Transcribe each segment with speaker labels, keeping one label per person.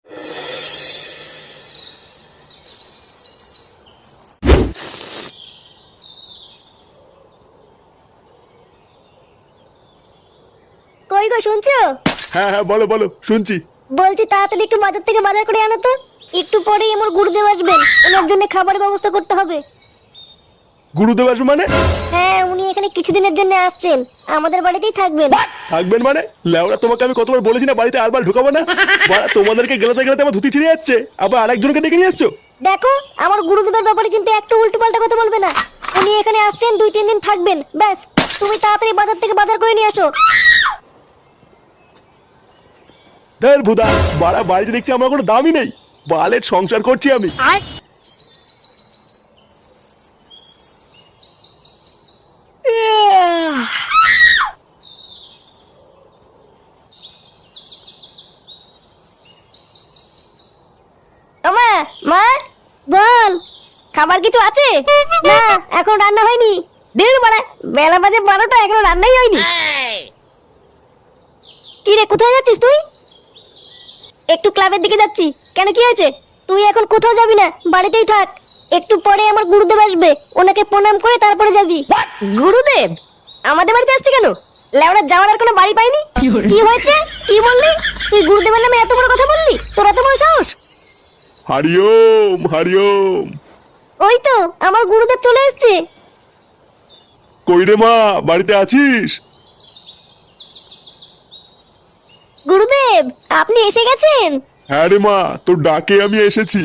Speaker 1: কই গো শুনছো?
Speaker 2: হ্যাঁ হ্যাঁ, বলো বলো, শুনছি।
Speaker 1: বলছি তাড়াতাড়ি একটু বাজার থেকে বাজার করে আনো তো। একটু পরেই আমার গুরুদেব আসবেন, ওনার জন্য খাবারের ব্যবস্থা করতে হবে।
Speaker 2: গুরুদেব আসবে মানে?
Speaker 1: হ্যাঁ, উনি এখানে কিছুদিনের জন্য আসছেন, আমাদের বাড়িতেই থাকবেন।
Speaker 2: থাকবেন মানে? লেওরা, তোমাকে আমি কতবার বলেছি না বাড়িতে আরবার ঢুকাবো না? বাড়া, তোমাদেরকে গেলাতে গেলাতে আমার ধুতি ছিঁড়ে যাচ্ছে, আবার আরেকজনকে ডেকে নিয়ে আসছো।
Speaker 1: দেখো, আমার গুরুদেবের ব্যাপারে কিন্তু একটু উল্টোপাল্টা কথা বলবে না। উনি এখানে আসছেন, 2-3 দিন থাকবেন, ব্যাস। তুমি তাড়াতাড়ি বাজার থেকে বাজার করে নিয়ে আসো।
Speaker 2: ধর ভুদা, বাড়া বাড়িতে দেখছি আমার কোনো দামই নেই। বালের সংসার করছি আমি।
Speaker 1: মা, মা, বল, খাবার কিছু আছে? না, এখন রান্না হয়নি। দেখ বাড়া, বেলা বাজে 12টা, এখনো রান্নাই হয়নি। কি রে, কোথায় যাচ্ছিস তুই? একটু ক্লাবের দিকে যাচ্ছি। কেন, কি হয়েছে? তুই এখন কোথাও যাবি না, বাড়িতেই থাক। একটু পরে আমার গুরুদেব আসবে, ওনাকে প্রণাম করে তারপরে যাবি। গুরুদেব আমাদের বাড়িতে আসছে কেন? লেওড়া, যাওয়ার আর কোনো বাড়ি পাইনি। কি হয়েছে? কি বললি? তুই গুরুদেবের নামে এত বড় কথা বললি? তোর এত বড় সাহস?
Speaker 2: হরিওম হরিওম।
Speaker 1: ওই তো আমার গুরুদেব চলে এসেছে।
Speaker 2: কই রে মা, বাড়িতে আছিস?
Speaker 1: গুরুদেব, আপনি এসে গেছেন?
Speaker 2: হ্যাঁ রে মা, তোর ডাকে আমি এসেছি।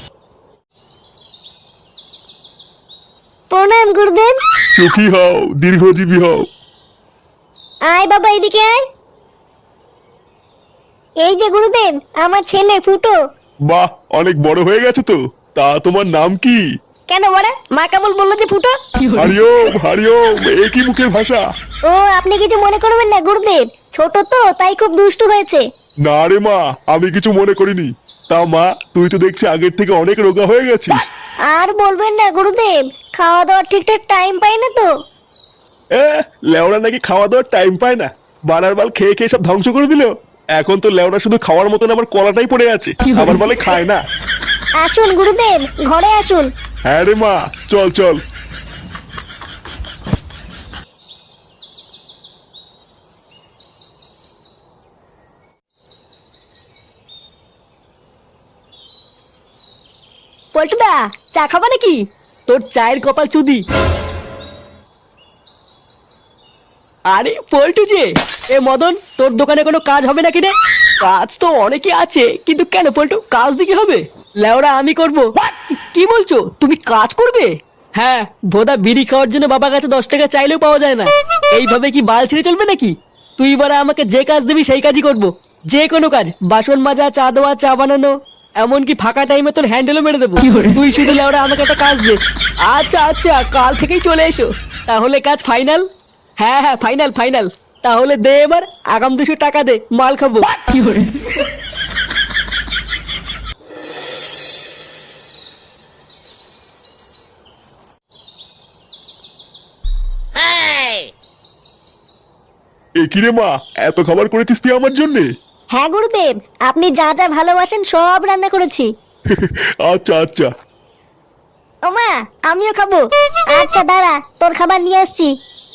Speaker 1: প্রণাম গুরুদেব।
Speaker 2: সুখী হও, দীর্ঘজীবী হও।
Speaker 1: আয় বাবা, এদিকে আয়। এই যে গুরুদেব, আমার ছেলে ফুটো।
Speaker 2: বাহ, অনেক বড় হয়ে গেছে তো। তা তোমার নাম কি?
Speaker 1: কেন বড়া, মা কেমন বললো যে ফুটো?
Speaker 2: হরিওম হরিওম, এ কি মুখের ভাষা?
Speaker 1: ও, আপনি কিছু মনে করবেন না গুরুদেব, ছোট তো তাই খুব দুষ্টু হয়েছে।
Speaker 2: না রে মা, আমি কিছু মনে করিনি। তা মা, তুই তো দেখছি আগের থেকে অনেক রোগা হয়ে গেছিস।
Speaker 1: আর বলবেন না গুরুদেব, খাওয়া দাওয়ার ঠিকঠাক টাইম পাই না তো।
Speaker 2: লেওড়া নাকি খাওয়া দাওয়ার টাইম পায় না? বানার বাল খেয়ে খেয়ে সব ধ্বংস করে দিল। এখন তো লেওড়া শুধু খাওয়ার মতন আমার কলাটাই পড়ে আছে, আবার বলে খায় না।
Speaker 1: আসুন গুরুদেব, ঘরে আসুন।
Speaker 2: হ্যাঁ রে মা, চল চল।
Speaker 1: পল্টুদা, চা খাবা নাকি?
Speaker 3: তোর চায়ের কপাল চুদি। আরে পল্টু যে, এ মদন, তোর দোকানে কোনো কাজ হবে নাকি রে? কাজ তো অনেকই আছে, কিন্তু কেন পল্টু, কাজ দিকে হবে? লেওরা আমি করব। কি বলছো, তুমি কাজ করবে? হ্যাঁ, ভোদা বিড়ি খাওয়ার জন্য বাবার কাছে 10 টাকা চাইলেও পাওয়া যায় না। এইভাবে কি বাল ছেড়ে চলবে নাকি? তুই এবারে আমাকে যে কাজ দিবি সেই কাজই করব। যে কোনো কাজ, বাসন মাজা, চা দেওয়া, চা বানানো, এমনকি ফাঁকা টাইমে তোর হ্যান্ডেলও মেরে দেবো। তুই শুধু লেওরা আমাকে একটা কাজ দে। আচ্ছা আচ্ছা, কাল থেকেই চলে এসো। তাহলে কাজ ফাইনাল? হ্যাঁ হ্যাঁ, ফাইনাল ফাইনাল। তাহলে দে এবার আগাম 200 টাকা দে, মাল খাবো।
Speaker 2: এ কি রে মা, এত খাবার করেছিস তুই আমার জন্যে?
Speaker 1: হ্যাঁ গুরুদেব, আপনি যা যা ভালোবাসেন সব রান্না করেছি।
Speaker 2: আচ্ছা আচ্ছা।
Speaker 1: ও মা, আমিও খাবো। আচ্ছা দাঁড়া, তোর খাবার নিয়ে আসছি।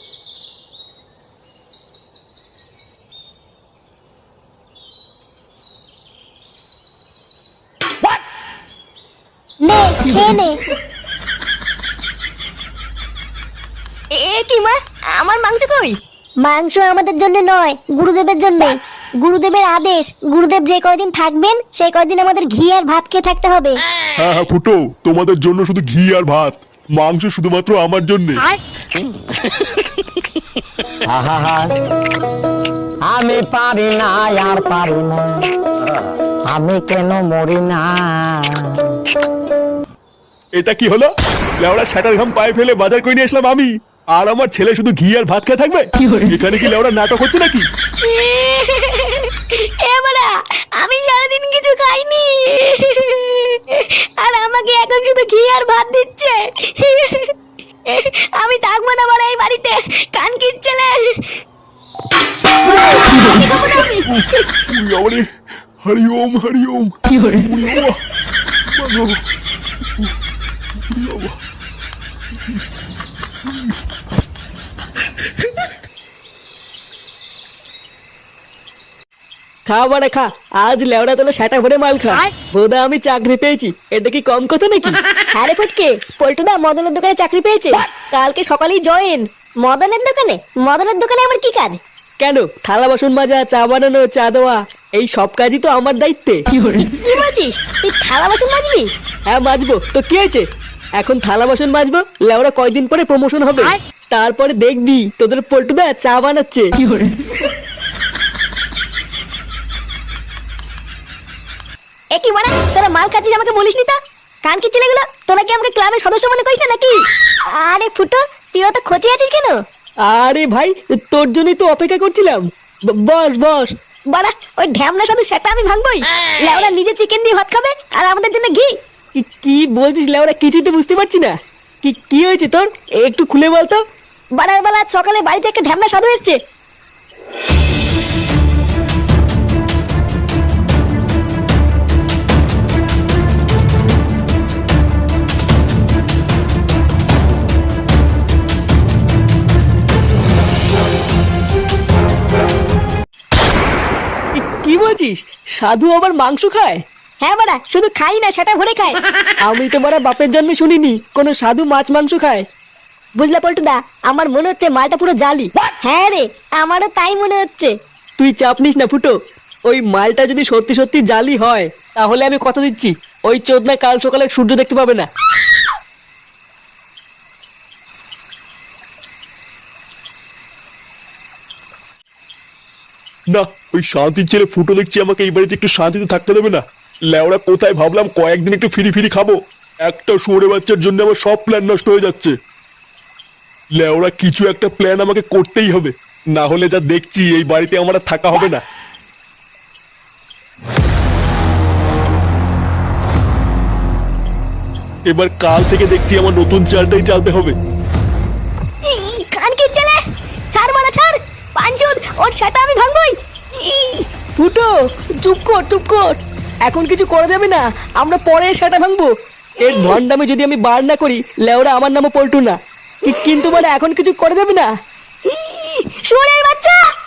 Speaker 1: নে, খেয়ে নে। এ কি মা, আমার মাংস কই? মাংস আমাদের জন্য নয়, গুরুদেবের জন্য। গুরুদেবের আদেশ, গুরুদেব যে কয়দিন থাকবেন সেই কয়দিন আমাদের ঘি আর ভাত খেয়ে থাকতে হবে।
Speaker 2: হ্যাঁ হ্যাঁ ফুটো, তোমাদের জন্য শুধু ঘি আর ভাত, মাংস শুধুমাত্র আমার জন্যে।
Speaker 4: আমি পারি না, আর পারি না, আমি কেন মরি না।
Speaker 2: এটা কি হলো? লেওড়া শাটার ঘাম পায়ে ফেলে বাজার করে নিয়ে আসলাম আমি, আর আমার ছেলে শুধু ঘি আর ভাত খেয়ে থাকবে? এখানে কি লেওড়া নাটক হচ্ছে নাকি?
Speaker 1: এবারে আমি সারাদিন কিছু খাইনি, আর আমাকে এখন শুধু ঘি আর ভাত দিচ্ছে। আমি থাকবো না বড় এই বাড়িতে, কান কিচ্ছেলে।
Speaker 2: আমারে হরি ওম হরি ওম। ওরে বাবা, মাগো, ওরে বাবা।
Speaker 3: খা বাড়া খা, আজ লেওড়া তোলা সেটা ভরে মাল খা। বোধা আমি চাকরি পেয়েছি, এটা কি কম কথা নাকি?
Speaker 1: হ্যাঁ রে ফুটকে, পল্টুদা মদনের দোকানে চাকরি পেয়েছে, কালকে সকালেই জয়েন। মদনের দোকানে? মদনের দোকানে আবার কি কাজ?
Speaker 3: কেন, থালা বাসন মাজা, চা বানানো, চা দেওয়া, এই সব কাজই তো আমার দায়িত্বে।
Speaker 1: কি বলছিস? তুই থালা বাসন মাজবি?
Speaker 3: হ্যাঁ মাজবো, তো কি হয়েছে? এখন থালা বাসন মাজবো, লেওড়া কয়দিন পরে প্রমোশন হবে, তারপরে দেখবি তোদের পল্টুদা চা বানাচ্ছে।
Speaker 1: একই মানে তোরা মাল খাচ্ছিস, আমাকে বলিসনি তা? কান কি ছেলেগুলো, তোরা কি আমাকে ক্লাবের সদস্য মনে করিস না নাকি? আরে ফুটো, তুই অত খোঁচে আছিস কেন?
Speaker 3: আরে ভাই, তোর জন্যই তো অপেক্ষা করছিলাম। বস বস।
Speaker 1: বাড়া, ওই ঢ্যামনা শুধু সেটা আমি ভাঙবই? লেওরা নিজে চিকেন দিয়ে ভাত খাবে আর আমাদের জন্য ঘি?
Speaker 3: কি বলছিস লেওড়া, কিছুই তো বুঝতে পারছি না। কি হয়েছে তোর, একটু খুলে বলতো।
Speaker 1: বাড়ার বেলা সকালে বাড়িতে একটা ঢ্যামনা সাধু এসছে।
Speaker 3: কি বলছিস, সাধু আবার মাংস খায়?
Speaker 1: হ্যাঁ বাড়া, শুধু খাই না, সেটা ভরে খায়।
Speaker 3: আমি তো মারা বাপের জন্মে শুনিনি কোনো সাধু মাছ মাংস খায়।
Speaker 1: বুঝলা পল্টুদা, আমার মনে হচ্ছে মালটা পুরো জালি। হ্যাঁ রে, আমারও তাই মনে হচ্ছে।
Speaker 3: তুই চাপ নিস না ফুটো, ওই মালটা যদি সত্যি সত্যি জালি হয়, তাহলে আমি কথা দিচ্ছি ওই চোদনা কাল সকালে সূর্য দেখতে পাবে না।
Speaker 2: না, ওই শান্তির ছেলে ফুটো দেখছি আমাকে এই বাড়িতে একটু শান্তিতে থাকতে দেবে না। লেওড়া কোথায় ভাবলাম কয়েকদিন একটু ফিরি ফিরি খাবো, একটা শুয়োরে বাচ্চার জন্য আমার সব প্ল্যান নষ্ট হয়ে যাচ্ছে। লেওড়া কিছু একটা প্ল্যান আমাকে করতেই হবে, না হলে যা দেখছি এই বাড়িতে আমার আর থাকা হবে না। এবার কাল থেকে দেখছি আমার নতুন চালটাই চালতে হবে।
Speaker 1: কান কি ছেলে, ছাড় মারা ছাড়, পাঁচজন ওর সেটা আমি ভাঙবই।
Speaker 3: ফুটো চুপ কর চুপ কর, এখন কিছু করা যাবে না, আমরা পরে সেটা ভাঙবো। এর ভণ্ডামি যদি আমি বার না করি, লেওরা আমার নামও পল্টু না। কিন্তু মানে এখন কিছু করা যাবে না।
Speaker 1: শুয়োরের বাচ্চা!